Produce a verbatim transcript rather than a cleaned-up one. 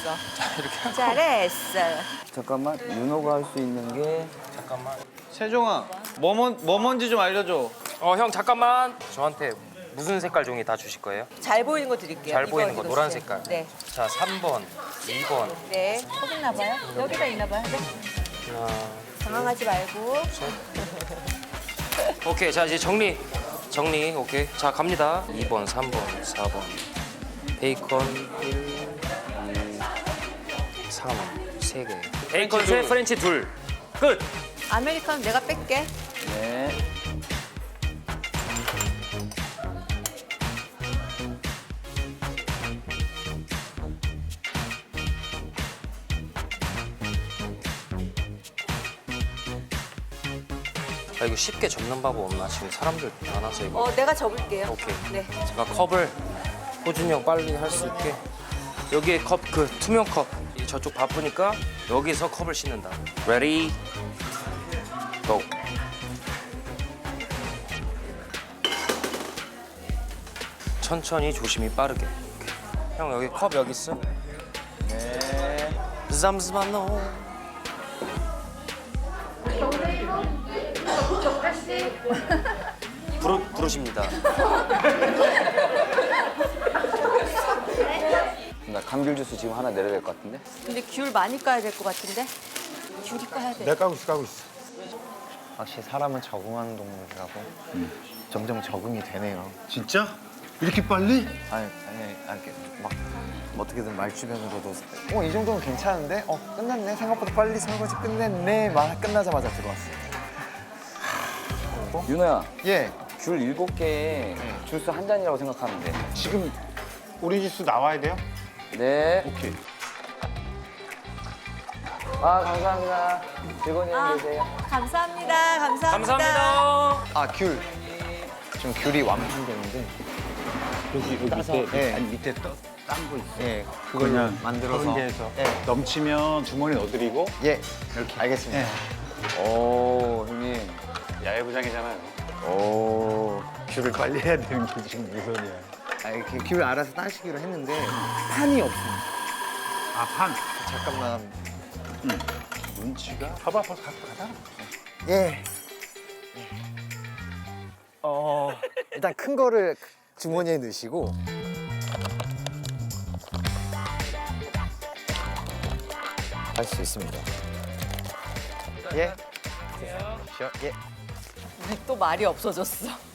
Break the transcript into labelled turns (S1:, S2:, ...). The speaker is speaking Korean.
S1: 이렇게.
S2: 잘했어.
S3: 잠깐만, 윤호가 할 수 있는 게
S1: 잠깐만.
S4: 세종아, 뭐, 뭔, 뭐 뭔지 좀 알려줘.
S1: 어, 형 잠깐만. 저한테 무슨 색깔 종이 다 주실 거예요?
S2: 잘 보이는 거 드릴게요.
S1: 잘
S2: 이거,
S1: 보이는 거
S2: 이거
S1: 노란
S2: 주세요.
S1: 색깔.
S2: 네.
S1: 자, 삼 번, 이 번.
S2: 네. 여기 있나 봐요? 여기다 있나 봐요. 네.
S1: 하나.
S2: 당황하지 말고.
S1: 오케이, 자 이제 정리. 정리, 오케이. 자, 갑니다. 이 번, 삼 번, 사 번. 베이컨 일, 이, 삼, 세 개. 베이컨 세, 프렌치 둘. 끝!
S2: 아메리카노 내가 뺄게.
S3: 네.
S1: 아, 이거 쉽게 접는 방법 없나? 지금 사람들 많아서 이거.
S2: 어, 내가 접을게요.
S1: 오케이.
S2: 네.
S1: 제가 컵을 호준이 형 빨리 할 수 있게 여기에 컵, 그 투명 컵 이 저쪽 바쁘니까 여기서 컵을 씻는다. Ready? Go. 천천히 조심히 빠르게. 오케이. 형 여기 컵 여기 있어.
S3: 네.
S1: 잠시만요. 부르, 부르십니다.
S3: 나 감귤 주스 지금 하나 내려야 될 것 같은데?
S2: 근데 귤 많이 까야 될 것 같은데? 귤이 까야 돼.
S5: 내가 까고 있어, 까고 있어.
S6: 확실히 사람은 적응하는 동물이라고 점점 적응이 되네요.
S5: 진짜? 이렇게 빨리?
S6: 아니, 아니, 아니 이렇게 막 어떻게든 말 주변으로도 어, 이 정도면 괜찮은데? 어, 끝났네. 생각보다 빨리 설거지 끝냈네. 말 끝나자마자 들어왔어요.
S3: 윤호야,
S6: 예.
S3: 귤 일곱 개에 주스 한 잔이라고 생각하면 돼.
S5: 지금 오렌지 주스 나와야 돼요?
S3: 네.
S5: 오케이.
S3: 아, 감사합니다. 즐거운 여행
S2: 아,
S3: 되세요.
S2: 감사합니다. 감사합니다.
S1: 감사합니다.
S6: 아, 귤. 지금 귤이 완판되는데.
S5: 여기, 여기 밑에,
S6: 네.
S5: 아니, 밑에 딴 거 있어.
S6: 예. 그걸
S5: 그냥
S6: 만들어서.
S5: 가운데에서
S6: 예.
S5: 넘치면 주머니 넣어드리고.
S6: 예. 이렇게. 알겠습니다.
S3: 오, 형님.
S5: 야외부장이잖아요.
S3: 오.
S5: 귤을 빨리 해야 되는 게 지금 우선이야.
S6: 아, 이렇게 귤 알아서 따시기로 했는데 판이 없습니다.
S5: 아, 판.
S6: 잠깐만.
S5: 눈치가? 봐봐, 벌써 갖고 가자.
S6: 예. 어, 일단 큰 거를 주머니에 넣으시고 할 수 있습니다. 예. 쉬어. 예.
S2: 우리 또 말이 없어졌어.